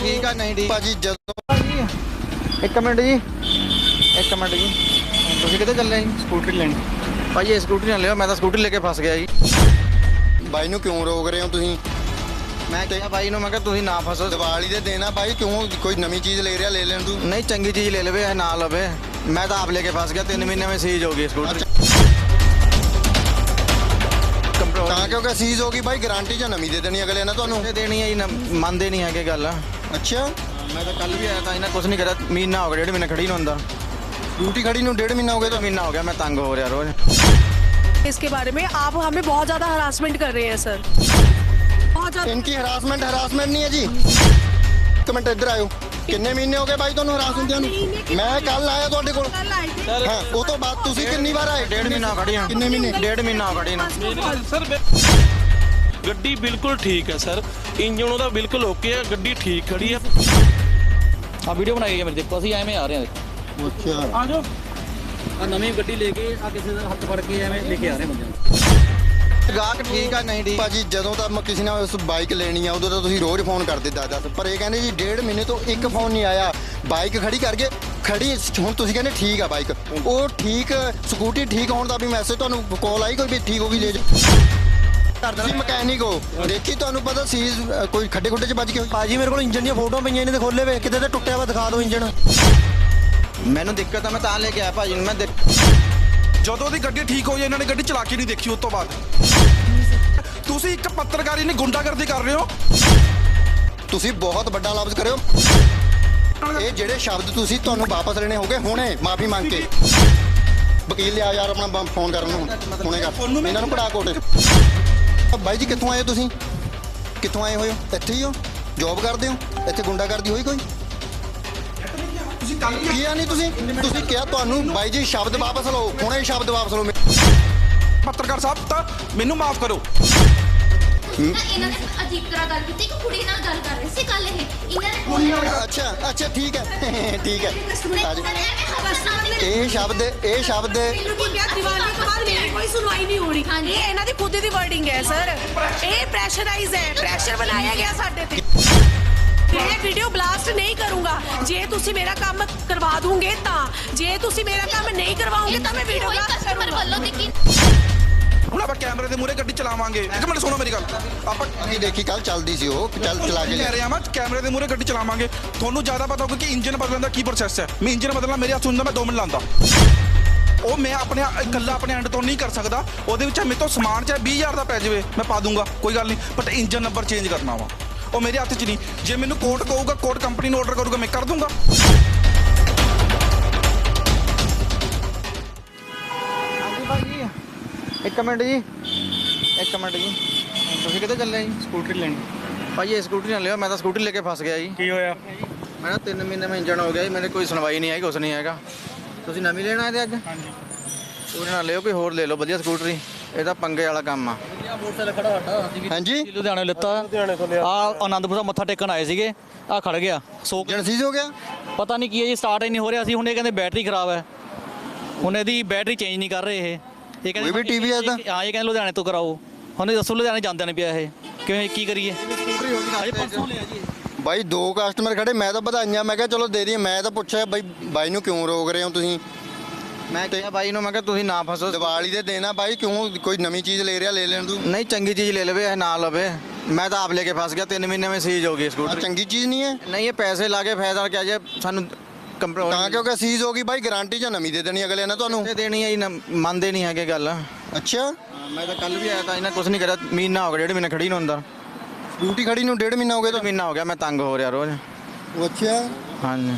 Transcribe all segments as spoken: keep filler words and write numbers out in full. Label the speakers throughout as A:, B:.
A: ठीक है नहीं ठीक
B: ਭਾਜੀ ਜਦੋਂ
A: एक मिनट जी एक मिनट जी ਤੁਸੀਂ ਕਿੱਥੇ ਚੱਲੇ ਜੀ
C: ਸਕੂਟਰੀ ਲੈਣੀ
A: ਭਾਜੀ ਇਹ ਸਕੂਟਰੀ ਨਾ ਲਿਓ ਮੈਂ ਤਾਂ ਸਕੂਟਰੀ ਲੈ ਕੇ ਫਸ ਗਿਆ ਜੀ
B: ਬਾਈ ਨੂੰ ਕਿਉਂ ਰੋਕ ਰਹੇ ਹੋ ਤੁਸੀਂ?
A: ਮੈਂ ਕਿਹਾ ਬਾਈ ਨੂੰ ਮੈਂ ਕਿਹਾ ਤੁਸੀਂ ਨਾ ਫਸੋ
B: ਦੀਵਾਲੀ ਦੇ ਦਿਨ ਆ ਬਾਈ, ਕਿਉਂ ਕੋਈ ਨਵੀਂ ਚੀਜ਼ ਲੈ ਰਿਹਾ, ਲੈ ਲੈਣ ਤੂੰ।
A: ਨਹੀਂ ਚੰਗੀ ਚੀਜ਼ ਲੈ ਲਵੇ ਇਹ ਨਾ ਲਵੇ ਮੈਂ ਤਾਂ ਆਪ ਲੈ ਕੇ ਫਸ ਗਿਆ ਤਿੰਨ ਮਹੀਨੇ ਵਿੱਚ ਸੀਜ਼ ਹੋ ਗਈ ਸਕੂਟਰੀ
B: ਤਾਂ ਕਿਉਂਕਿ ਸੀਜ਼ ਹੋ ਗਈ ਬਾਈ, ਗਾਰੰਟੀ ਜਾਂ ਨਵੀਂ ਦੇ ਦੇਣੀ ਅਗਲੇ ਨੇ ਤੁਹਾਨੂੰ।
A: ਇਹ ਦੇਣੀ ਹੈ ਜੀ ਨਾ- ਮੰਨਦੇ ਨਹੀਂ ਹੈਗੇ ਗੱਲ
B: ਅੱਛਾ,
A: ਮੈਂ ਤਾਂ ਕੱਲ ਵੀ ਆਇਆ ਤਾਂ ਇਹਨਾਂ ਕੁਝ ਨਹੀਂ ਕਰਿਆ ਮਹੀਨਾ ਹੋ ਗਿਆ ਡੇਢ ਮਹੀਨਾ ਖੜੀ ਨੂੰ ਅੰਦਰ
B: ਡਿਊਟੀ ਖੜੀ ਨੂੰ ਡੇਢ ਮਹੀਨਾ ਹੋ ਗਿਆ ਤਾਂ।
A: ਮਹੀਨਾ ਹੋ ਗਿਆ ਮੈਂ ਤੰਗ ਹੋ ਰਿਹਾ ਰੋਜ਼
D: इसके बारे में आप हमें बहुत ज़्यादा हरासमेंट कर रहे हैं सर बहुत ज़्यादा
B: ਇਨਕੀ ਹਰਾਸਮੈਂਟ ਹਰਾਸਮੈਂਟ ਨਹੀਂ ਹੈ ਜੀ। ਇੱਕ ਮਿੰਟ ਇੱਧਰ ਆਇਓ। ਕਿੰਨੇ ਮਹੀਨੇ ਹੋ ਗਏ ਬਾਈ ਤੁਹਾਨੂੰ ਹਰਾਸ ਹੁੰਦਿਆਂ ਨੂੰ? ਮੈਂ ਕੱਲ ਆਇਆ ਤੁਹਾਡੇ ਕੋਲ।
D: कल आए थे
B: ਹਾਂ, ਉਹ ਤੋਂ ਬਾਅਦ ਤੁਸੀਂ ਕਿੰਨੀ ਵਾਰ ਆਏ?
A: ਡੇਢ ਮਹੀਨਾ ਖੜੀ ਹਾਂ
B: ਕਿੰਨੇ ਮਹੀਨੇ?
A: ਡੇਢ ਮਹੀਨਾ ਹੋ ਖੜੀ ਨੂੰ
E: ਸਰ ਗੱਡੀ ਬਿਲਕੁਲ ਠੀਕ ਹੈ ਸਰ, ਇੰਜਨ ਉਹਦਾ ਬਿਲਕੁਲ ਓਕੇ ਹੈ, ਗੱਡੀ ਠੀਕ ਖੜੀ ਹੈ।
C: ਆ ਵੀਡੀਓ ਬਣਾਈ ਹੈ ਮੇਰੇ, ਦੇਖੋ ਅਸੀਂ ਐਵੇਂ ਆ ਰਹੇ ਹਾਂ, ਦੇਖੋ
B: ਅੱਛਾ,
C: ਆ ਜਾਓ ਆ ਨਵੀਂ ਗੱਡੀ ਲੈ ਕੇ ਆ ਕਿਸੇ ਦਾ ਹੱਥ ਫੜ ਕੇ ਐਵੇਂ ਲੈ ਕੇ ਆ ਰਹੇ ਬੰਦੇ ਨੂੰ।
A: ਗਾਹਕ ਠੀਕ ਆ ਨਹੀਂ ਠੀਕ
B: ਭਾਜੀ ਜਦੋਂ ਤਾਂ ਮੈਂ ਕਿਸੇ ਨਾਲ ਉਸ ਬਾਈਕ ਲੈਣੀ ਆ ਉਦੋਂ ਤਾਂ ਤੁਸੀਂ ਰੋਜ਼ ਫੋਨ ਕਰਦੇ ਦਸ ਦਸ, ਪਰ ਇਹ ਕਹਿੰਦੇ ਜੀ ਡੇਢ ਮਹੀਨੇ ਤੋਂ ਇੱਕ ਫੋਨ ਨਹੀਂ ਆਇਆ। ਬਾਈਕ ਖੜੀ ਕਰਕੇ ਖੜੀ ਹੁਣ ਤੁਸੀਂ ਕਹਿੰਦੇ ਠੀਕ ਆ ਬਾਈਕ, ਉਹ ਠੀਕ ਸਕੂਟੀ ਠੀਕ ਹੋਣ ਦਾ ਵੀ ਮੈਸੇਜ ਤੁਹਾਨੂੰ ਕਾਲ ਆਈ ਕੋਈ ਵੀ ਠੀਕ ਹੋ ਗਈ ਲੈ ਜਾ ਤੁਸੀਂ ਮਕੈਨਿਕ ਹੋ, ਦੇਖੀ ਤੁਹਾਨੂੰ ਪਤਾ ਸੀ ਕੋਈ ਖੱਡੇ ਖੁੱਡੇ 'ਚ ਵੱਜ ਕੇ ਹੋਈ।
F: ਭਾਜੀ ਮੇਰੇ ਕੋਲ ਇੰਜਨ ਦੀਆਂ ਫੋਟੋਆਂ ਪਈਆਂ ਇਹਨੇ ਤੇ ਖੋਲੇ ਵੇ ਕਿਤੇ ਤੇ ਟੁੱਟਿਆ ਵਾ, ਦਿਖਾ ਦਿਓ ਇੰਜਨ।
A: ਮੈਨੂੰ ਦਿੱਕਤ ਆ ਮੈਂ ਤਾਂ ਲੈ ਕੇ ਆਇਆ ਭਾਜੀ ਨੂੰ ਮੈਂ ਦੇਖ
G: ਜਦੋਂ ਦੀ ਗੱਡੀ ਠੀਕ ਹੋਈ ਇਹਨਾਂ ਨੇ ਗੱਡੀ ਚਲਾ ਕੇ ਨਹੀਂ ਦੇਖੀ। ਉਸ ਤੋਂ ਬਾਅਦ ਤੁਸੀਂ ਇੱਕ ਪੱਤਰਕਾਰੀ ਨੇ ਗੁੰਡਾਗਰਦੀ ਕਰ ਰਹੇ ਹੋ।
B: ਤੁਸੀਂ ਬਹੁਤ ਵੱਡਾ ਲਫ਼ਜ਼ ਕਰਿਓ। ਇਹ ਜਿਹੜੇ ਸ਼ਬਦ ਤੁਸੀਂ ਤੁਹਾਨੂੰ ਵਾਪਸ ਲੈਣੇ ਹੋਗੇ ਹੁਣੇ ਮਾਫੀ ਮੰਗ ਕੇ। ਵਕੀਲ ਲਿਆ ਯਾਰ ਆਪਣਾ ਬ- ਫੋਨ ਕਰਨ ਨੂੰ ਹੁਣੇ ਕਰ ਇਹਨਾਂ ਨੂੰ ਕਢਾ ਕੋਟ। ਬਾਈ ਜੀ ਕਿੱਥੋਂ ਆਏ ਹੋ ਤੁਸੀਂ? ਕਿੱਥੋਂ ਆਏ ਹੋਏ ਹੋ? ਇੱਥੇ ਹੀ ਹੋ? ਜੌਬ ਕਰਦੇ ਹੋ? ਇੱਥੇ ਗੁੰਡਾਗਰਦੀ ਹੋਈ ਕੋਈ?
G: ਤੁਸੀਂ ਕੱਲ
B: ਕੀ ਆ ਨਹੀਂ ਤੁਸੀਂ ਤੁਸੀਂ ਕਿਹਾ ਤੁਹਾਨੂੰ ਬਾਈ ਜੀ ਸ਼ਬਦ ਵਾਪਸ ਲਓ, ਹੁਣੇ ਸ਼ਬਦ ਵਾਪਸ ਲਓ।
G: ਪੱਤਰਕਾਰ ਸਾਹਿਬ ਤਾਂ ਮੈਨੂੰ ਮਾਫ ਕਰੋ।
H: ਇਹਨਾਂ ਨੇ ਅਜੀਬ ਤਰ੍ਹਾਂ ਗੱਲ ਕੀਤੀ ਕਿ ਕੁੜੀ ਨਾਲ ਗੱਲ ਕਰ ਰਹੇ ਸੀ ਕੱਲ ਇਹ ਇਹਨਾਂ ਨੇ
B: ਅੱਛਾ ਅੱਛਾ ਠੀਕ ਹੈ ਠੀਕ ਹੈ ਆ ਜਾਓ।
H: ਕਸਟਮਰ
B: ਇਹ ਸ਼ਬਦ ਇਹ ਸ਼ਬਦ
D: बिल्कुल क्या दिवाली के बाद मेरी कोई सुनवाई नहीं हो रही
H: हाँ जी।
D: ये ਇਹਨਾਂ ਦੀ ਖੁਦ ਦੀ ਵਰਡਿੰਗ ਹੈ ਸਰ ਇਹ ਪ੍ਰੈਸ਼ਰਾਈਜ਼ ਹੈ ਪ੍ਰੈਸ਼ਰ ਬਣਾਇਆ ਗਿਆ ਸਾਡੇ ਤੇ ਮੈਂ ਵੀਡੀਓ ਬਲਾਸਟ ਨਹੀਂ ਕਰੂੰਗਾ ਜੇ ਤੁਸੀਂ ਮੇਰਾ ਕੰਮ ਕਰਵਾ ਦੂੰਗੇ ਤਾਂ ਜੇ ਤੁਸੀਂ ਮੇਰਾ ਕੰਮ ਨਹੀਂ ਕਰਵਾਓਗੇ ਤਾਂ ਮੈਂ ਵੀਡੀਓ ਬਲਾਸਟ
H: ਕਸਟਮਰ
D: ਕਰੂੰਗਾ
H: ਵੱਲੋਂ ਦਿੱਤੀ
G: ਹੁਣ ਆਪਾਂ ਕੈਮਰੇ ਦੇ ਮੂਹਰੇ ਗੱਡੀ ਚਲਾਵਾਂਗੇ। ਇੱਕ ਮਿੰਟ ਸੁਣੋ ਮੇਰੀ ਗੱਲ। ਆਪਾਂ
B: ਨਹੀਂ ਦੇਖੀ ਕੱਲ ਚੱਲਦੀ ਸੀ ਉਹ ਚੱਲ ਚਲਾ ਕੇ
G: ਕਹਿ ਰਿਹਾ ਮੈਂ ਕੈਮਰੇ ਦੇ ਮੂਹਰੇ ਗੱਡੀ ਚਲਾਵਾਂਗੇ। ਤੁਹਾਨੂੰ ਜ਼ਿਆਦਾ ਪਤਾ ਹੋਊਗਾ ਕਿ ਇੰਜਨ ਬਦਲਣ ਦਾ ਕੀ ਪ੍ਰੋਸੈਸ ਹੈ। ਮੈਂ ਇੰਜਨ ਬਦਲਣਾ ਮੇਰੇ ਹੱਥ ਹੁੰਦਾ ਮੈਂ ਦੋ ਮਿੰਟ ਲਾਉਂਦਾ। ਉਹ ਮੈਂ ਆਪਣੇ ਇਕੱਲਾ ਆਪਣੇ ਐਂਡ ਤੋਂ ਨਹੀਂ ਕਰ ਸਕਦਾ। ਉਹਦੇ ਵਿੱਚ ਮੇਰੇ ਤੋਂ ਸਮਾਨ ਚਾਹੇ ਵੀਹ ਹਜ਼ਾਰ ਦਾ ਪੈ ਜਾਵੇ ਮੈਂ ਪਾ ਦੂੰਗਾ, ਕੋਈ ਗੱਲ ਨਹੀਂ, ਬਟ ਇੰਜਨ ਨੰਬਰ ਚੇਂਜ ਕਰਨਾ ਵਾ ਉਹ ਮੇਰੇ ਹੱਥ 'ਚ ਨਹੀਂ। ਜੇ ਮੈਨੂੰ ਕੋਰਟ ਕਹੂਗਾ, ਕੋਰਟ ਕੰਪਨੀ ਨੂੰ ਆਰਡਰ ਕਰੂਗਾ, ਮੈਂ ਕਰ ਦੂੰਗਾ।
A: ਹਾਂਜੀ ਭਾਜੀ ਇੱਕ ਮਿੰਟ ਜੀ ਇੱਕ ਮਿੰਟ ਜੀ ਤੁਸੀਂ ਕਿੱਥੇ ਚੱਲੇ ਜੀ
C: ਸਕੂਟਰੀ ਲੈਣੀ
A: ਭਾਜੀ ਇਹ ਸਕੂਟਰੀ ਨਾ ਲਿਓ ਮੈਂ ਤਾਂ ਸਕੂਟਰੀ ਲੈ ਕੇ ਫਸ ਗਿਆ ਜੀ
C: ਕੀ ਹੋਇਆ?
A: ਮੇਰਾ ਤਿੰਨ ਮਹੀਨੇ ਮੈਂ ਇੰਜਣ ਹੋ ਗਿਆ ਜੀ ਮੇਰੇ ਕੋਈ ਸੁਣਵਾਈ ਨਹੀਂ ਆਈ ਕੁਛ ਨਹੀਂ ਹੈਗਾ। ਤੁਸੀਂ ਨਵੀਂ ਲੈਣਾ ਇਹਦੇ ਅੱਜ?
C: ਹਾਂਜੀ
A: ਉਹਦੇ ਨਾਲ ਲਿਓ ਕੋਈ ਹੋਰ ਲੈ ਲਓ ਵਧੀਆ ਸਕੂਟਰੀ, ਇਹ ਤਾਂ ਪੰਗੇ ਵਾਲਾ ਕੰਮ ਆ।
C: ਆ ਮੋਟਰਸਾਈਕਲ ਖੜਾ ਸਾਡਾ ਅਸੀਂ ਵੀ
B: ਹਾਂਜੀ
C: ਲੁਧਿਆਣੇ ਲਿੱਤਾ, ਲੁਧਿਆਣੇ ਤੋਂ ਲਿਆ। ਆ ਆਨੰਦਪੁਰ ਦਾ ਮੱਥਾ ਟੇਕਣ ਆਏ ਸੀਗੇ, ਆ ਖੜ ਗਿਆ ਸੋ
B: ਇੰਜਨ ਸੀਜ਼ ਹੋ ਗਿਆ।
C: ਪਤਾ ਨਹੀਂ ਕੀ ਹੈ ਜੀ, ਸਟਾਰਟ ਹੀ ਨਹੀਂ ਹੋ ਰਿਹਾ ਸੀ। ਹੁਣ ਇਹ ਕਹਿੰਦੇ ਬੈਟਰੀ ਖਰਾਬ ਹੈ, ਹੁਣ ਇਹਦੀ ਬੈਟਰੀ ਚੇਂਜ ਨਹੀਂ ਕਰ ਰਹੇ ਇਹ ਇਹ
B: ਕੋਈ ਵੀ ਟੀ ਵੀ ਹੈ ਤਾਂ?
C: ਹਾਂ ਇਹ ਕਹਿੰਦੇ ਲੁਧਿਆਣੇ ਤੋਂ ਕਰਾਓ। ਹੁਣ ਇਹ ਦੱਸੋ ਲੁਧਿਆਣੇ ਜਾਂਦੇ ਨੇ ਪਿਆ ਇਹ ਕਿਵੇਂ ਕੀ ਕਰੀਏ? ਅਜੇ ਪਰਸੋਂ ਲਿਆ ਜੀ।
B: ਬਾਈ ਦੋ ਕਸਟਮਰ ਖੜੇ, ਮੈਂ ਤਾਂ ਵਧਾਈਆਂ ਮੈਂ ਕਿਹਾ ਚਲੋ ਦੇ ਦਈਏ। ਮੈਂ ਤਾਂ ਪੁੱਛਿਆ ਬਾਈ ਬਾਈ ਨੂੰ ਕਿਉਂ ਰੋਕ ਰਹੇ ਹੋ ਤੁਸੀਂ?
A: ਮੈਂ ਕਿਹਾ ਬਾਈ ਨੂੰ ਮੈਂ ਕਿਹਾ ਤੁਸੀਂ ਨਾ ਫਸੋ
B: ਦੀਵਾਲੀ ਦੇ ਦਿਨ ਆ ਬਾਈ, ਕਿਉਂ ਕੋਈ ਨਵੀਂ ਚੀਜ਼ ਲੈ ਰਿਹਾ, ਲੈ ਲੈਣ ਤੂੰ।
A: ਨਹੀਂ ਚੰਗੀ ਚੀਜ਼ ਲੈ ਲਵੇ ਇਹ ਨਾ ਲਵੇ ਮੈਂ ਤਾਂ ਆਪ ਲੈ ਕੇ ਫਸ ਗਿਆ ਤਿੰਨ ਮਹੀਨੇ ਵਿੱਚ ਸੀਜ਼ ਹੋ ਗਈ
B: ਆਹ
A: ਸਕੂਟਰੀ
B: ਚੰਗੀ ਚੀਜ਼ ਨਹੀਂ ਹੈ
A: ਨਹੀਂ ਇਹ ਪੈਸੇ ਲਾ ਕੇ ਫਾਇਦਾ ਕਿਆ ਜੇ ਸਾਨੂੰ ਕੰਪਨੀ
B: ਤਾਂ ਕਿਉਂਕਿ ਸੀਜ਼ ਹੋ ਗਈ ਬਾਈ, ਗਾਰੰਟੀ ਜਾਂ ਨਵੀਂ ਦੇ ਦੇਣੀ ਅਗਲੇ ਨੇ ਤੁਹਾਨੂੰ।
A: ਦੇਣੀ ਹੈ ਜੀ ਨਾ- ਮੰਨਦੇ ਨਹੀਂ ਹੈਗੇ ਗੱਲ
B: ਅੱਛਾ,
A: ਮੈਂ ਤਾਂ ਕੱਲ ਵੀ ਆਇਆ ਤਾਂ ਇਹਨਾਂ ਕੁਝ ਨਹੀਂ ਕਰਿਆ ਮਹੀਨਾ ਹੋ ਗਿਆ ਡੇਢ ਮਹੀਨਾ ਖੜੀ ਨੂੰ ਅੰਦਰ
B: ਡਿਊਟੀ ਖੜੀ ਨੂੰ ਡੇਢ ਮਹੀਨਾ ਹੋ ਗਿਆ ਤਾਂ।
A: ਮਹੀਨਾ ਹੋ ਗਿਆ ਮੈਂ ਤੰਗ ਹੋ ਰਿਹਾ ਰੋਜ਼
B: ਅੱਛਾ,
A: ਹਾਂਜੀ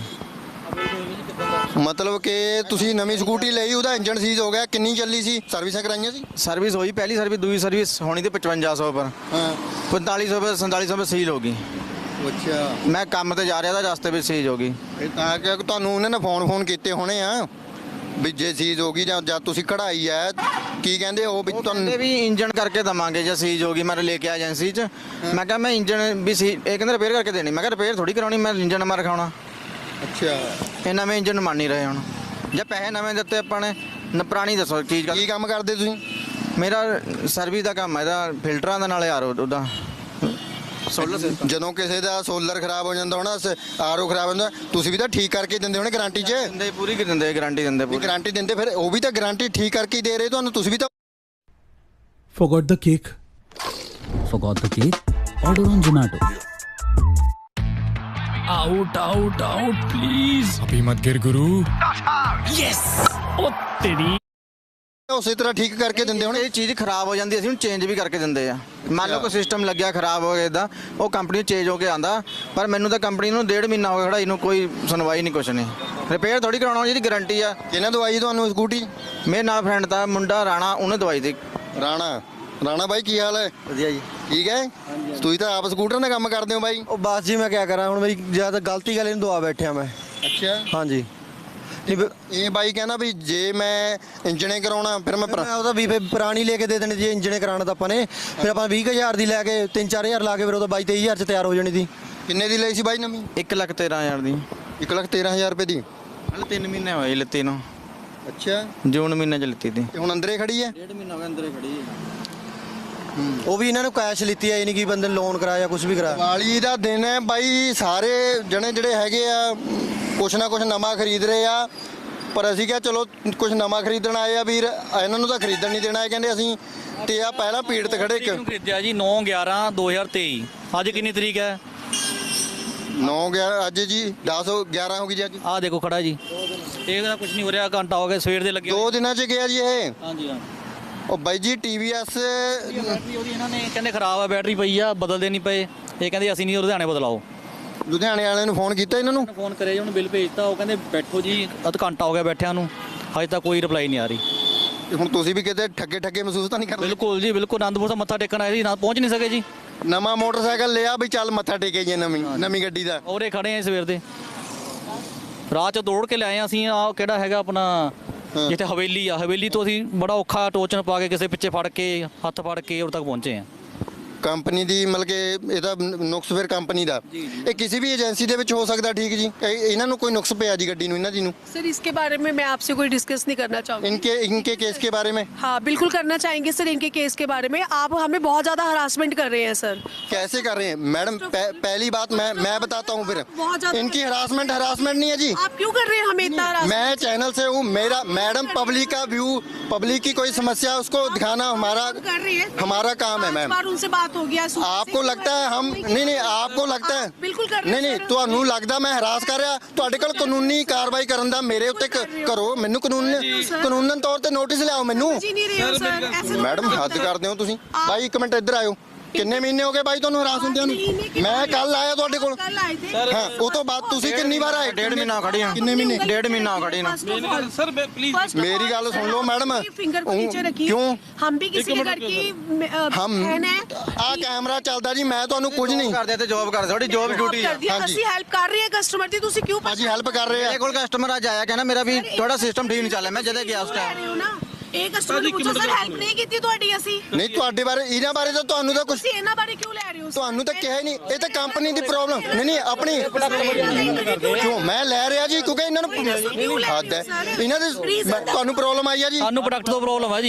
B: ਮਤਲਬ ਕਿ ਤੁਸੀਂ ਨਵੀਂ ਸਕੂਟੀ ਲਈ, ਉਹਦਾ ਇੰਜਨ ਸੀਜ਼ ਹੋ ਗਿਆ। ਕਿੰਨੀ ਚੱਲੀ ਸੀ? ਸਰਵਿਸਾਂ ਕਰਾਈਆਂ ਸੀ?
A: ਸਰਵਿਸ ਹੋਈ ਪਹਿਲੀ ਸਰਵਿਸ ਦੂਜੀ ਸਰਵਿਸ ਹੋਣੀ ਤੇ ਪਚਵੰਜਾ ਸੌ ਪਰ
B: ਹਾਂ
A: ਪੰਤਾਲੀ ਸੌ ਪਰ ਸੰਤਾਲੀ ਸੌ ਪਰ ਸੀਲ ਹੋ ਗਈ।
B: ਅੱਛਾ,
A: ਮੈਂ ਕੰਮ ਤੇ ਜਾ ਰਿਹਾ ਤਾਂ ਰਸਤੇ ਵਿੱਚ ਸੀਜ਼ ਹੋ ਗਈ।
B: ਇਹ ਤਾਂ ਕਿ ਤੁਹਾਨੂੰ ਉਹਨਾਂ ਨੇ ਫੋਨ ਫੋਨ ਕੀਤੇ ਹੋਣੇ ਆ ਵੀ ਜੇ ਸੀਜ਼ ਹੋ ਗਈ ਜਾਂ ਜਾਂ ਤੁਸੀਂ ਕਢਾਈ ਹੈ ਕੀ ਕਹਿੰਦੇ ਉਹ ਵੀ
A: ਕਹਿੰਦੇ
B: ਤੁਹਾਨੂੰ।
A: ਵੀ ਇੰਜਨ ਕਰਕੇ ਦਵਾਂਗੇ ਜੇ ਸੀਜ਼ ਹੋ ਗਈ ਮੈਂ ਲੈ ਕੇ ਆ ਏਜੰਸੀ 'ਚ ਮੈਂ ਕਿਹਾ ਮੈਂ ਇੰਜਨ ਵੀ ਸੀ ਇਹ ਕਹਿੰਦੇ ਰਿਪੇਅਰ ਕਰਕੇ ਦੇਣੀ। ਮੈਂ ਕਿਹਾ ਰਿਪੇਅਰ ਥੋੜੀ ਕਰਾਉਣੀ ਮੈਂ ਇੰਜਨ ਨਵਾਂ ਰਖਾਉਣਾ।
B: ਅੱਛਾ,
A: ਇਹ ਨਵੇਂ ਇੰਜਨ ਮੰਨ ਨਹੀਂ ਰਹੇ ਹੁਣ ਜੇ ਪੈਸੇ ਨਵੇਂ ਦਿੱਤੇ ਆਪਾਂ ਨੇ ਨ ਪੁਰਾਣੀ ਦੱਸੋ ਚੀਜ਼
B: ਕੀ ਕੰਮ ਕਰਦੇ ਤੁਸੀਂ?
A: ਮੇਰਾ ਸਰਵਿਸ ਦਾ ਕੰਮ ਹੈ ਇਹਦਾ ਫਿਲਟਰਾਂ ਦਾ ਨਾਲ ਯਾਰ ਉਹਦਾ ਸੋਲਰ ਸਿਸਟਮ
B: ਜਦੋਂ ਕਿਸੇ ਦਾ ਸੋਲਰ ਖਰਾਬ ਹੋ ਜਾਂਦਾ ਹੋਣਾ ਆਰਓ ਖਰਾਬ ਹੁੰਦਾ ਤੁਸੀਂ ਵੀ ਤਾਂ ਠੀਕ ਕਰਕੇ ਦਿੰਦੇ ਹੋਣੇ ਗਾਰੰਟੀ 'ਚ
A: ਦਿੰਦੇ ਪੂਰੀ ਕਿ ਦਿੰਦੇ ਗਾਰੰਟੀ ਦਿੰਦੇ
B: ਵੀ
A: ਪੂਰੀ
B: ਗਾਰੰਟੀ ਦਿੰਦੇ ਫਿਰ ਉਹ ਵੀ ਤਾਂ ਗਾਰੰਟੀ ਠੀਕ ਕਰਕੇ ਹੀ ਦੇ ਰਹੇ ਤੁਹਾਨੂੰ ਤੁਸੀਂ ਵੀ ਤਾਂ
I: Forgot the cake.
J: Forgot the cake? Order on Zomato.
I: Out, out, out, please. अभी मत गिर गुरु. Yes. ओ तेरी.
B: ਉਸੇ ਤਰ੍ਹਾਂ ਠੀਕ ਕਰਕੇ ਦਿੰਦੇ ਹੋਣੇ
A: ਇਹ ਚੀਜ਼ ਖਰਾਬ ਹੋ ਜਾਂਦੀ ਅਸੀਂ ਉਹਨੂੰ ਚੇਂਜ ਵੀ ਕਰਕੇ ਦਿੰਦੇ ਆ ਮੰਨ ਲਓ ਕੋਈ ਸਿਸਟਮ ਲੱਗਿਆ ਖਰਾਬ ਹੋ ਗਿਆ ਇਦਾਂ ਉਹ ਕੰਪਨੀ ਚੇਂਜ ਹੋ ਕੇ ਆਂਦਾ ਪਰ ਮੈਨੂੰ ਤਾਂ ਕੰਪਨੀ ਨੂੰ ਡੇਢ ਮਹੀਨਾ ਹੋ ਗਿਆ ਖੜਾਈ ਨੂੰ ਕੋਈ ਸੁਣਵਾਈ ਨਹੀਂ ਕੁਛ ਨਹੀਂ ਰਿਪੇਅਰ ਥੋੜੀ ਕਰਾਉਣਾ ਜਿਹਦੀ ਗਾਰੰਟੀ ਆ
B: ਕਿਹਨਾਂ ਦਵਾਈ ਤੁਹਾਨੂੰ ਸਕੂਟੀ
A: ਮੇਰੇ ਨਾਲ ਫਰੈਂਡ ਦਾ ਮੁੰਡਾ ਰਾਣਾ ਉਹਨੇ ਦਵਾਈ ਦੀ
B: ਰਾਣਾ ਰਾਣਾ ਬਾਈ ਕੀ ਹਾਲ ਹੈ
F: ਵਧੀਆ ਜੀ
B: ਠੀਕ ਹੈ ਤੁਸੀਂ ਤਾਂ ਆਪ ਸਕੂਟਰ ਦਾ ਕੰਮ ਕਰਦੇ ਹੋ ਬਾਈ
F: ਉਹ ਬਸ ਜੀ ਮੈਂ ਕਿਆ ਕਰਾਂ ਹੁਣ ਮੇਰੀ ਜ਼ਿਆਦਾ ਗਲਤੀ ਗੱਲ ਇਹਨੂੰ ਦਵਾ ਬੈਠਿਆ ਮੈਂ
B: ਅੱਛਾ
F: ਹਾਂਜੀ ਨਹੀਂ
B: ਇਹ ਬਾਈ ਕਹਿੰਦਾ ਵੀ ਜੇ ਮੈਂ ਇੰਜਣੇ ਕਰਾਉਣਾ ਫਿਰ ਮੈਂ
F: ਮੈਂ ਉਹਦਾ ਵੀ ਫਿਰ ਪੁਰਾਣੀ ਲੈ ਕੇ ਦੇ ਦੇਣੀ ਜੇ ਇੰਜਣੇ ਕਰਾਉਣਾ ਤਾਂ ਆਪਾਂ ਨੇ ਫਿਰ ਆਪਾਂ ਵੀਹ ਕੁ ਹਜ਼ਾਰ ਦੀ ਲੈ ਕੇ ਤਿੰਨ ਚਾਰ ਹਜ਼ਾਰ ਲਾ ਕੇ ਫਿਰ ਉਹਦਾ ਬਾਈ ਤੇਈ ਹਜ਼ਾਰ ਚ ਤਿਆਰ ਹੋ ਜਾਣੀ ਸੀ
B: ਕਿੰਨੇ ਦੀ ਲਈ ਸੀ ਬਾਈ ਨਵੀਂ
A: ਇੱਕ ਲੱਖ ਤੇਰਾਂ ਹਜ਼ਾਰ ਦੀ
B: ਇੱਕ ਲੱਖ ਤੇਰਾਂ ਹਜ਼ਾਰ ਰੁਪਏ ਦੀ
A: ਹਲੇ ਤਿੰਨ ਮਹੀਨੇ ਹੋਏ ਲਿੱਤੀ ਨੂੰ
B: ਅੱਛਾ
A: ਜੂਨ ਮਹੀਨੇ ਚ ਲਿੱਤੀ ਤੀ
B: ਤੇ ਹੁਣ ਅੰਦਰੇ ਖੜੀ ਹੈ
A: ਡੇਢ ਮਹੀਨਾ ਹੋ ਗਿਆ ਅੰਦਰੇ ਖੜੀ
F: ਉਹ ਵੀ ਇਹਨਾਂ ਨੂੰ ਕੈਸ਼ ਲਿੱਤੀ ਆ ਇਹ ਨਹੀਂ ਕਿ ਬੰਦੇ ਨੇ ਲੋਨ ਕਰਾਇਆ ਕੁਝ ਵੀ ਕਰਾਇਆ
B: ਦੀਵਾਲੀ ਦਾ ਦਿਨ ਹੈ ਬਾਈ ਸਾਰੇ ਜਣੇ ਜਿਹੜੇ ਹੈਗੇ ਆ ਕੁਛ ਨਾ ਕੁਛ ਨਵਾਂ ਖਰੀਦ ਰਹੇ ਆ ਪਰ ਅਸੀਂ ਕਿਹਾ ਚਲੋ ਕੁਝ ਨਵਾਂ ਖਰੀਦਣ ਆਏ ਆ ਵੀਰ ਇਹਨਾਂ ਨੂੰ ਤਾਂ ਖਰੀਦਣ ਨਹੀਂ ਦੇਣਾ ਇਹ ਕਹਿੰਦੇ ਅਸੀਂ ਤੇ ਆ ਪਹਿਲਾਂ ਪੀੜ ਤੇ ਖੜੇ
C: ਕਿਉਂ ਖਰੀਦਿਆ ਜੀ ਨੌ ਗਿਆਰਾਂ ਦੋ ਹਜ਼ਾਰ ਤੇਈ ਅੱਜ ਕਿੰਨੀ ਤਰੀਕ ਹੈ
B: ਨੌ ਗਿਆਰਾਂ ਅੱਜ ਜੀ ਦਸ ਗਿਆਰਾਂ ਹੋ ਗਈ ਜੀ ਅੱਜ
C: ਆਹ ਦੇਖੋ ਖੜਾ ਜੀ ਇਹਦਾ ਕੁਝ ਨਹੀਂ ਹੋ ਰਿਹਾ ਘੰਟਾ ਹੋ ਗਿਆ ਸਵੇਰ ਦੇ ਲੱਗੇ
B: ਦੋ ਦਿਨਾਂ ਚ ਗਿਆ ਜੀ ਇਹ
C: ਹਾਂਜੀ ਹਾਂ
B: ਉਹ ਬਾਈ ਜੀ ਟੀਵੀਐਸ
C: ਬੈਟਰੀ ਉਹਦੀ ਇਹਨਾਂ ਨੇ ਕਹਿੰਦੇ ਖਰਾਬ ਆ ਬੈਟਰੀ ਪਈ ਆ ਬਦਲ ਦੇਣੀ ਪਏ ਇਹ ਕਹਿੰਦੇ ਅਸੀਂ ਨਹੀਂ ਲੁਧਿਆਣੇ ਬਦਲਾਓ
B: ਲੁਧਿਆਣੇ ਵਾਲਿਆਂ ਨੂੰ ਫੋਨ ਕੀਤਾ ਇਹਨਾਂ ਨੂੰ
C: ਫੋਨ ਕਰਿਆ ਜੀ ਉਹਨੂੰ ਬਿੱਲ ਭੇਜਤਾ ਉਹ ਕਹਿੰਦੇ ਬੈਠੋ ਜੀ ਅੱਧ ਘੰਟਾ ਹੋ ਗਿਆ ਬੈਠਿਆਂ ਨੂੰ ਹਜੇ ਤੱਕ ਕੋਈ ਰਿਪਲਾਈ ਨਹੀਂ ਆ ਰਹੀ
B: ਤੇ ਹੁਣ ਤੁਸੀਂ ਵੀ ਕਿਤੇ ਠੱਗੇ ਠੱਗੇ ਮਹਿਸੂਸ ਤਾਂ ਨਹੀਂ ਕਰਦੇ
C: ਬਿਲਕੁਲ ਜੀ ਬਿਲਕੁਲ ਆਨੰਦਪੁਰ ਸਾਹਿਬ ਮੱਥਾ ਟੇਕਣ ਆਏ ਸੀ ਨਾ ਪਹੁੰਚ ਨਹੀਂ ਸਕੇ ਜੀ
B: ਨਵਾਂ ਮੋਟਰਸਾਈਕਲ ਲਿਆ ਵੀ ਚੱਲ ਮੱਥਾ ਟੇਕੇ ਜੀ ਨਵੀਂ ਨਵੀਂ ਗੱਡੀ ਦਾ
C: ਔਰੇ ਖੜੇ ਆ ਸਵੇਰ ਦੇ ਰਾਹ ਚ ਦੌੜ ਕੇ ਲਿਆਏ ਆ ਅਸੀਂ ਆ ਕਿਹੜਾ ਹੈਗਾ ਆਪਣਾ ਜਿੱਥੇ ਹਵੇਲੀ ਆ ਹਵੇਲੀ ਤੋਂ ਅਸੀਂ ਬੜਾ ਔਖਾ ਟੋਚਨ ਪਾ ਕੇ ਕਿਸੇ ਪਿੱਛੇ ਫੜ ਕੇ ਹੱਥ ਫੜ ਕੇ ਉਰ ਤੱਕ ਪਹੁੰਚੇ ਆ
B: ਕੰਪਨੀ ਦੀ ਮਤਲਬ ਕਿ ਇਹਦਾ ਨੁਕਸ ਫਿਰ ਕੰਪਨੀ ਦਾ ਇਹ ਕਿਸੇ ਵੀ ਏਜੰਸੀ ਦੇ ਵਿੱਚ ਹੋ ਸਕਦਾ ਠੀਕ ਜੀ ਇਹ- ਇਹਨਾਂ ਨੂੰ ਕੋਈ ਨੁਕਸ ਪਿਆ ਜੀ ਗੱਡੀ ਨੂੰ ਇਹਨਾਂ ਦੀ ਨੂੰ
D: सर इसके बारे में मैं आपसे कोई डिस्कस नहीं करना चाहूँगी
B: इनके इनके केस के बारे में
D: हाँ बिल्कुल करना चाहेंगे सर इनके केस के बारे में आप हमें बहुत ज़्यादा हरासमेंट कर रहे हैं सर
B: कैसे कर रहे हैं मैडम पह, पहली बात मैं मैं बताता हूँ फिर
D: बहुत ज़्यादा-
B: इनकी हरासमेंट हरासमेंट नहीं है जी
D: आप क्यों कर रहे हैं हमें इतना harassment?
B: मैं चैनल से हूँ मेरा मैडम पब्लिक का व्यू पब्लिक की कोई समस्या है, उसको दिखाना हमारा
D: आप कर रही है
B: हमारा काम है
D: पांच
B: मैम
D: बार उनसे बात हो गया सुबह से।
B: आपको लगता है हम नहीं नहीं आपको लगता है
D: आप बिल्कुल कर रहे
B: नहीं
D: हैं
B: नहीं
D: सर।
B: ਤੁਹਾਨੂੰ ਲੱਗਦਾ ਮੈਂ ਹਰਾਸ ਕਰ ਰਿਹਾ ਤੁਹਾਡੇ ਕੋਲ ਕਾਨੂੰਨੀ ਕਾਰਵਾਈ ਕਰਨ ਦਾ ਮੇਰੇ ਉੱਤੇ ਕ- ਕਰੋ ਮੈਨੂੰ ਕਾਨੂੰਨ ਕਾਨੂੰਨਨ ਤੌਰ ਤੇ ਨੋਟਿਸ ਲਿਆਓ ਮੈਨੂੰ
D: जी नहीं रही हूँ सर ऐसे नहीं
B: ਮੈਡਮ
D: होता
B: ਹੱਦ
D: सर।
B: ਕਰਦੇ ਹੋ ਤੁਸੀਂ ਬਾਈ ਇੱਕ ਮਿੰਟ ਇੱਧਰ ਆਇਓ ਕਿੰਨੇ ਮਹੀਨੇ ਹੋ ਗਏ ਬਾਈ ਤੁਹਾਨੂੰ ਹਰਾਸ ਹੁੰਦਿਆਂ ਨੂੰ ਮੈਂ ਕੱਲ ਆਇਆ ਤੁਹਾਡੇ ਕੋਲ
D: कल आए थे
B: ਹਾਂ ਉਹ ਤੋਂ ਬਾਅਦ ਤੁਸੀਂ ਕਿੰਨੀ ਵਾਰ ਆਏ
A: ਡੇਢ ਮਹੀਨਾ ਖੜੀ ਆ
B: ਕਿੰਨੇ ਮਹੀਨੇ
A: ਡੇਢ ਮਹੀਨਾ ਹੋ ਖੜੀ ਨੂੰ
E: ਸਰ ਪਲੀਜ਼
B: मेरी गल सुन लो मैडम
D: फिंगर को नीचे रखिए
B: क्यों
D: हम भी किसी के घर की अ,
B: हम
D: बहन है
B: ਆ ਕੈਮਰਾ ਚੱਲਦਾ ਜੀ ਮੈਂ ਤੁਹਾਨੂੰ ਕੁਝ ਨਹੀਂ
A: ਕਰਦੇ ਤੇ ਜੌਬ ਕਰਦੇ ਥੋੜੀ ਜੌਬ ਡਿਊਟੀ ਆ
D: ਕਰ ਦਿਆ
B: ਹਾਂਜੀ।
D: ਅਸੀਂ ਹੈਲਪ ਕਰ ਰਹੇ ਹਾਂ ਕਸਟਮਰ ਦੀ ਤੁਸੀਂ ਕਿਉਂ
B: ਭਾਜੀ ਹੈਲਪ ਕਰ ਰਹੇ
A: ਮੇਰੇ
B: ਆ
A: ਕੋਲ ਕਸਟਮਰ ਅੱਜ ਆਇਆ ਕਹਿੰਦਾ ਮੇਰਾ ਵੀ ਥੋੜਾ ਸਿਸਟਮ ਠੀਕ ਨਹੀਂ ਚੱਲ ਰਿਹਾ ਮੈਂ ਜਦੇ ਗਿਆ ਉਸ
D: ਲੈ
A: ਟਾਈਮ
D: ਰਹੇ ਹੋ ਨਾ ਇਹ ਕਸਟਮਰ ਨੂੰ ਪੁੱਛੋ ਸਰ ਹੈਲਪ ਨਹੀਂ ਕੀਤੀ ਤੁਹਾਡੀ ਅਸੀਂ
B: ਨਹੀਂ ਤੁਹਾਡੇ ਬਾਰੇ ਇਹਨਾਂ ਬਾਰੇ ਤਾਂ ਤੁਹਾਨੂੰ ਤਾਂ ਕੁਝ
D: ਤੁਸੀਂ ਇਹਨਾਂ ਬਾਰੇ ਕਿਉਂ ਲੈ ਰਹੇ ਹੋ
B: ਤੁਹਾਨੂੰ ਤਾਂ ਕਿਹਾ ਹੀ ਨਹੀਂ ਇਹ ਤਾਂ ਕੰਪਨੀ ਦੀ ਪ੍ਰੋਬਲਮ ਨਹੀਂ ਨਹੀਂ ਆਪਣੀ ਕਿਉਂ ਮੈਂ ਲੈ ਰਿਹਾ ਜੀ ਕਿਉਂਕਿ ਇਹਨਾਂ ਨੂੰ ਹੱਦ ਹੈ ਇਹਨਾਂ ਦੇ ਮੈਂ- ਤੁਹਾਨੂੰ ਪ੍ਰੋਬਲਮ ਆਈ ਆ ਜੀ
C: ਸਾਨੂੰ ਪ੍ਰੋਡਕਟ ਤੋਂ ਪ੍ਰੋਬਲਮ ਹੈ ਜੀ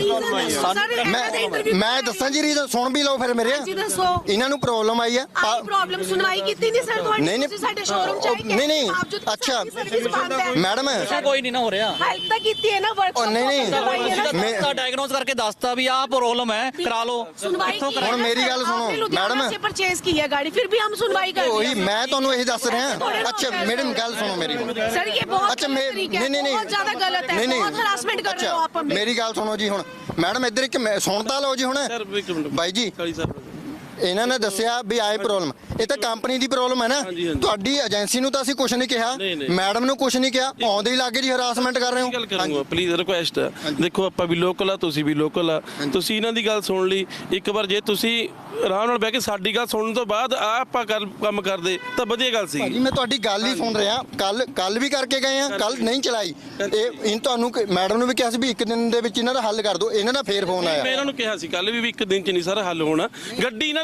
B: ਮੈਂ ਮੈਂ ਦੱਸਾਂ ਜੀ ਰੀਜ਼ਨ ਸੁਣ ਵੀ ਲਓ ਫਿਰ ਮੇਰੇ
D: ਜੀ ਦੱਸੋ
B: ਇਹਨਾਂ ਨੂੰ ਪ੍ਰੋਬਲਮ ਆਈ ਆ ਪਾ-
D: ਆਈ ਪ੍ਰੋਬਲਮ ਸੁਣਵਾਈ ਕੀਤੀ ਨਹੀਂ ਸਰ ਤੁਹਾਡੀ
B: ਨਹੀਂ ਨਹੀਂ
D: ਤੁਸੀਂ ਸਾਡੇ ਸ਼ੋਰੂਮ ਚ ਆਏ
B: ਨਹੀਂ ਨਹੀਂ ਅੱਛਾ ਮੈਡਮ
C: ਕੋਈ ਨਹੀਂ ਨਾ ਹੋ ਰਿਹਾ
D: ਹੈਲਪ ਤਾਂ ਕੀਤੀ ਹੈ ਨਾ ਵਰਕ
B: ਉਹ ਨਹੀਂ ਨਹੀਂ ਮੈਂ
C: ਤਾਂ ਡਾਇਗਨੋਸ ਕਰਕੇ ਦੱਸਤਾ ਵੀ ਆਹ ਪ੍ਰੋਬਲਮ ਹੈ ਕਰਾ ਲਓ
D: सुनवाई की है
B: ਹੁਣ
D: ना
B: ਮੇਰੀ
D: सर,
B: ਗੱਲ ਸੁਣੋ,
D: आपने लुधियाना
B: मैडम।
D: से परचेज की है गाड़ी फिर भी हम सुनवाई कर रहे
B: ਉਹੀ
D: हैं
B: ਮੈਂ ਤੁਹਾਨੂੰ ਇਹੀ ਦੱਸ ਰਿਹਾ ਅੱਛਾ ਮੈਡਮ ਗੱਲ ਸੁਣੋ ਮੇਰੀ
D: सर ये बहुत
B: ਅੱਛਾ
D: गलत
B: ਮੈਂ
D: तरीका है,
B: ਨਹੀਂ ਨਹੀਂ
D: बहुत ज्यादा गलत है
B: ਨਹੀਂ ਨਹੀਂ
D: बहुत हरासमेंट कर रहे हो आप हमें
B: ਮੇਰੀ ਗੱਲ ਸੁਣੋ ਜੀ ਹੁਣ ਮੈਡਮ ਇੱਧਰ ਇੱਕ ਮੈਂ- ਸੁਣ ਤਾਂ ਲਓ ਜੀ ਹੁਣ
E: ਸਰ ਇੱਕ ਮਿੰਟ
B: ਬਾਈ ਜੀ
E: ਕਾਲੀ ਸਾਹਿਬ
B: ਇਹਨਾਂ ਨੇ ਦੱਸਿਆ ਵੀ ਆਏ ਪ੍ਰੋਬਲਮ ਇਹ ਤਾਂ ਕੰਪਨੀ ਦੀ ਪ੍ਰੋਬਲਮ ਹੈ ਨਾ
E: ਹਾਂਜੀ, ਹਾਂਜੀ।
B: ਤੁਹਾਡੀ ਏਜੰਸੀ ਨੂੰ ਤਾਂ ਅਸੀਂ ਕੁਝ ਨਹੀਂ ਕਿਹਾ
E: ਨਹੀਂ, ਨਹੀਂ।
B: ਮੈਡਮ ਨੂੰ ਕੁਝ ਨਹੀਂ ਕਿਹਾ ਆਉਂਦੇ ਹੀ ਲੱਗੇ ਜੀ ਹਰਾਸਮੈਂਟ ਕਰ ਰਹੇ
E: ਇਹ ਗੱਲ
B: ਹੋ
E: ਕਰੂੰਗਾ ਪਲੀਜ਼ ਰਿਕੁਐਸਟ ਦੇਖੋ ਆਪਾਂ ਵੀ ਲੋਕਲ ਆ ਤੁਸੀਂ ਵੀ ਲੋਕਲ ਆ ਤੁਸੀਂ ਇਹਨਾਂ ਦੀ ਗੱਲ ਸੁਣ ਲਈ ਇੱਕ ਵਾਰ ਜੇ ਤੁਸੀਂ ਆਰਾਮ ਨਾਲ ਬਹਿ ਕੇ ਸਾਡੀ ਗੱਲ ਸੁਣਨ ਤੋਂ ਬਾਅਦ ਆ ਆਪਾਂ ਕਰ- ਕੰਮ ਕਰਦੇ ਤਾਂ ਵਧੀਆ ਗੱਲ ਸੀ
B: ਭਾਜੀ ਮੈਂ ਤੁਹਾਡੀ ਗੱਲ ਹੀ ਸੁਣ ਰਿਹਾ ਕੱਲ ਕੱਲ ਵੀ ਕਰਕੇ ਗਏ ਆ ਕੱਲ ਨਹੀਂ ਚਲਾਈ ਇਹ ਇਨ ਤੁਹਾਨੂੰ ਮੈਡਮ ਨੂੰ ਵੀ ਕਿਹਾ ਸੀ ਵੀ ਇੱਕ ਦਿਨ ਦੇ ਵਿੱਚ ਇਹਨਾਂ ਦਾ ਹੱਲ ਕਰ ਦਿਓ ਇਹਨਾਂ ਦਾ ਫੇਰ ਫੋਨ
E: ਮੈਂ
B: ਆਇਆ
E: ਇਹਨਾਂ ਨੂੰ ਕਿਹਾ ਸੀ ਕੱਲ ਵੀ ਵੀ ਇੱਕ ਦਿਨ ਚ ਨਹੀਂ ਸਾਰਾ ਹੱਲ ਹੋਣਾ ਗੱਡੀ ਇਹਨਾਂ ਦੀ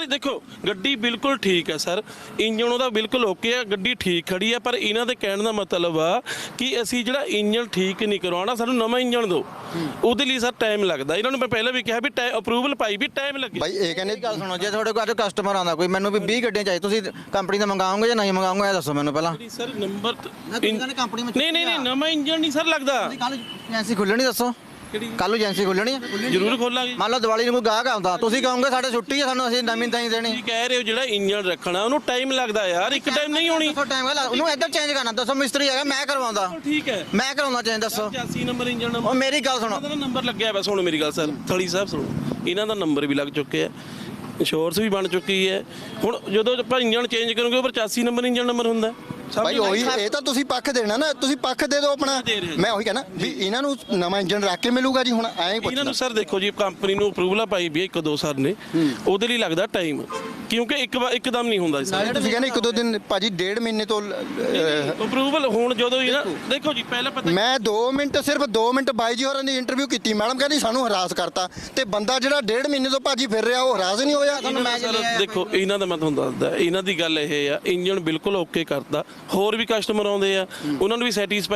E: ਦੇਖੋ ਗੱਡੀ ਬਿਲਕੁਲ ਠੀਕ ਹੈ ਸਰ, ਇੰਜਨ ਉਹਦਾ ਬਿਲਕੁਲ ਓਕੇ ਹੈ, ਗੱਡੀ ਠੀਕ ਖੜੀ ਹੈ, ਪਰ ਇਹਨਾਂ ਦੇ ਕਹਿਣ ਦਾ ਮਤਲਬ ਆ ਕਿ ਅਸੀਂ ਜਿਹੜਾ ਇੰਜਨ ਠੀਕ ਨਹੀਂ ਕਰਵਾਉਣਾ, ਸਾਨੂੰ ਨਵਾਂ ਇੰਜਨ ਦਿਓ। ਉਹਦੇ ਲਈ ਸਰ ਟਾਈਮ ਲੱਗਦਾ। ਇਹਨਾਂ ਨੂੰ ਮੈਂ ਪਹਿਲਾਂ ਵੀ ਕਿਹਾ ਵੀ ਅਪਰੂਵਲ ਪਾਈ ਵੀ ਟਾਈਮ ਲੱਗੇ।
B: ਬਾਈ ਇਹ ਕਹਿੰਦੇ
A: ਗੱਲ ਸੁਣੋ, ਜੇ ਤੁਹਾਡੇ ਕੋਲ ਅੱਜ ਕਸਟਮਰ ਆਉਂਦਾ ਕੋਈ, ਮੈਨੂੰ ਵੀ ਵੀਹ ਗੱਡੀਆਂ ਚਾਹੀਦੀ, ਤੁਸੀਂ ਕੰਪਨੀ ਦਾ ਮੰਗਾਓਗੇ ਜਾਂ ਨਹੀਂ ਮੰਗਾਓਗੇ ਇਹ ਦੱਸੋ ਮੈਨੂੰ ਪਹਿਲਾਂ।
E: ਸਰ ਨੰਬਰ
A: ਕੰਪਨੀ ਵਿੱਚ
E: ਨਹੀਂ ਨਹੀਂ ਨਹੀਂ ਨਵਾਂ ਇੰਜਨ ਨਹੀਂ ਸਰ ਲੱਗਦਾ।
A: ਕੱਲ ਏਜੰਸੀ ਖੁੱਲਣੀ ਦੱਸੋ, ਕੱਲ ਨੂੰ ਏਜੰਸੀ ਖੁੱਲਣੀ ਹੈ?
E: ਜ਼ਰੂਰ ਖੋਲਾਂਗੇ।
A: ਮੰਨ ਲਓ ਦੀਵਾਲੀ ਨੂੰ ਕੋਈ ਗਾਹਕ ਆਉਂਦਾ, ਤੁਸੀਂ ਕਹੋਗੇ ਸਾਡੇ ਛੁੱਟੀ ਹੈ, ਸਾਨੂੰ ਅਸੀਂ ਨਵੀਂ ਤਾਂ ਹੀ ਦੇਣੀ।
E: ਤੁਸੀਂ ਕਹਿ ਰਹੇ ਹੋ ਜਿਹੜਾ ਇੰਜਨ ਰੱਖਣਾ ਉਹਨੂੰ ਟਾਈਮ ਲੱਗਦਾ ਯਾਰ, ਇੱਕ ਟਾਈਮ ਨਹੀਂ ਹੋਣੀ।
A: ਦੱਸੋ ਟਾਈਮ ਗੱਲ, ਉਹਨੂੰ ਇੱਧਰ ਚੇਂਜ ਕਰਨਾ ਦੱਸੋ, ਮਿਸਤਰੀ ਹੈਗਾ ਮੈਂ ਕਰਵਾਉਂਦਾ,
E: ਠੀਕ ਹੈ
A: ਮੈਂ ਕਰਾਉਂਦਾ ਚੇਂਜ ਦੱਸੋ।
E: ਪਚਾਸੀ ਨੰਬਰ ਇੰਜਨ
A: ਉਹ ਮੇਰੀ ਗੱਲ ਸੁਣੋ,
E: ਇਹਨਾਂ ਦਾ ਨੰਬਰ ਲੱਗਿਆ ਬਸ। ਹੁਣ ਮੇਰੀ ਗੱਲ ਸਰ ਥਲੀ ਸਾਹਿਬ ਸੁਣੋ, ਇਹਨਾਂ ਦਾ ਨੰਬਰ ਵੀ ਲੱਗ ਚੁੱਕੇ ਆ, ਇੰਸ਼ੋਰੈਂਸ ਵੀ ਬਣ ਚੁੱਕੀ ਹੈ। ਹੁਣ ਜਦੋਂ ਆਪਾਂ ਇੰਜਨ ਚੇਂਜ ਕਰੋਗੇ ਉਹ ਪਚਾਸੀ ਨੰਬਰ ਇੰਜਨ ਨੰਬਰ ਹੁੰਦਾ।
B: ਭਾਈ ਉਹੀ ਇਹ ਤਾਂ ਤੁਸੀਂ ਪੱਖ ਦੇਣਾ ਨਾ, ਤੁਸੀਂ ਪੱਖ ਦੇ ਦਿਓ ਆਪਣਾ। ਮੈਂ ਉਹੀ ਕਹਿਣਾ ਵੀ ਇਹਨਾਂ ਨੂੰ ਨਵਾਂ ਇੰਜਨ ਰੱਖ ਕੇ ਮਿਲੂਗਾ ਜੀ। ਹੁਣ ਐਂ ਹੀ
E: ਇਹਨਾਂ ਨੂੰ ਸਰ ਦੇਖੋ ਜੀ, ਕੰਪਨੀ ਨੂੰ ਅਪਰੂਵਲ ਪਾਈ ਵੀ ਇੱਕ ਦੋ ਸਰ ਨੇ, ਉਹਦੇ ਲਈ ਲੱਗਦਾ ਟਾਈਮ, ਕਿਉਂਕਿ ਇੱਕ ਵਾਰ ਇੱਕਦਮ ਨਹੀਂ ਹੁੰਦਾ।
B: ਤੁਸੀਂ ਕਹਿੰਦੇ ਇੱਕ ਦੋ ਦਿਨ ਭਾਜੀ, ਡੇਢ ਮਹੀਨੇ ਤੋਂ
E: ਅਪਰੂਵਲ ਹੁਣ ਜਦੋਂ ਹੀ ਨਾ ਦੇਖੋ ਜੀ, ਪਹਿਲਾਂ ਪਤਾ
B: ਮੈਂ ਦੋ ਮਿੰਟ ਸਿਰਫ ਦੋ ਮਿੰਟ ਬਾਈ ਜੀ ਹੋਰਾਂ ਦੀ ਇੰਟਰਵਿਊ ਕੀਤੀ, ਮੈਡਮ ਕਹਿੰਦੀ ਸਾਨੂੰ ਹਰਾਸ ਕਰਤਾ, ਤੇ ਬੰਦਾ ਜਿਹੜਾ ਡੇਢ ਮਹੀਨੇ ਤੋਂ ਭਾਜੀ ਫਿਰ ਰਿਹਾ ਉਹ ਹਰਾਸ ਨਹੀਂ ਹੋਇਆ।
E: ਦੇਖੋ ਇਹਨਾਂ ਦਾ ਮੈਂ ਤੁਹਾਨੂੰ ਦੱਸਦਾ, ਇਹਨਾਂ ਦੀ ਗੱਲ ਇਹ ਆ, ਇੰਜਨ ਬਿਲਕੁਲ ਓਕੇ ਕਰਤਾ, ਹੋਰ ਵੀ ਕਸਟਮਰ ਆਉਂਦੇ ਆ, ਉਹਨਾਂ ਨੂੰ ਵੀ ਸੈਟੀਸਫਾਈ